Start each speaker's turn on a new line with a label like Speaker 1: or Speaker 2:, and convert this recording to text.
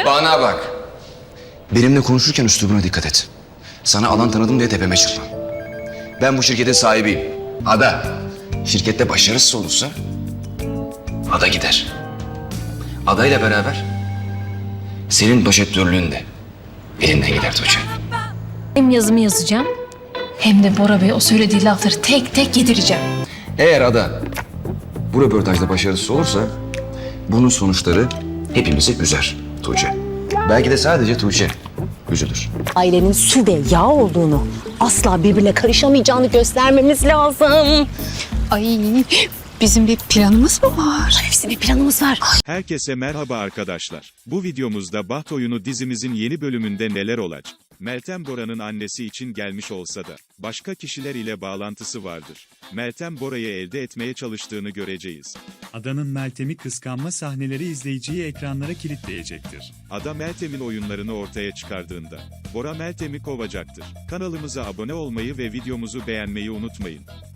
Speaker 1: Bana bak. Benimle konuşurken üslubuna dikkat et. Sana alan tanıdım diye tepeme çıkma. Ben bu şirketin sahibiyim. Ada. Şirkette başarısız olursa Ada gider. Ada ile beraber senin başörtülüğün de elinden gider Tuğçe.
Speaker 2: Hem yazımı yazacağım hem de Bora Bey o söylediği lafları tek tek yedireceğim.
Speaker 1: Eğer Ada bu röportajda başarısız olursa bunun sonuçları hepimizi üzer Tuğçe. Belki de sadece Tuğçe üzülür.
Speaker 3: Ailenin su ve yağ olduğunu, asla birbirine karışamayacağını göstermemiz lazım.
Speaker 4: Ay, bizim bir planımız mı var?
Speaker 3: Hepsi bir planımız var.
Speaker 5: Herkese merhaba arkadaşlar. Bu videomuzda Baht Oyunu dizimizin yeni bölümünde neler olacak? Meltem Bora'nın annesi için gelmiş olsa da, başka kişiler ile bağlantısı vardır. Meltem Bora'yı elde etmeye çalıştığını göreceğiz.
Speaker 6: Ada'nın Meltem'i kıskanma sahneleri izleyiciyi ekranlara kilitleyecektir.
Speaker 5: Ada Meltem'in oyunlarını ortaya çıkardığında, Bora Meltem'i kovacaktır. Kanalımıza abone olmayı ve videomuzu beğenmeyi unutmayın.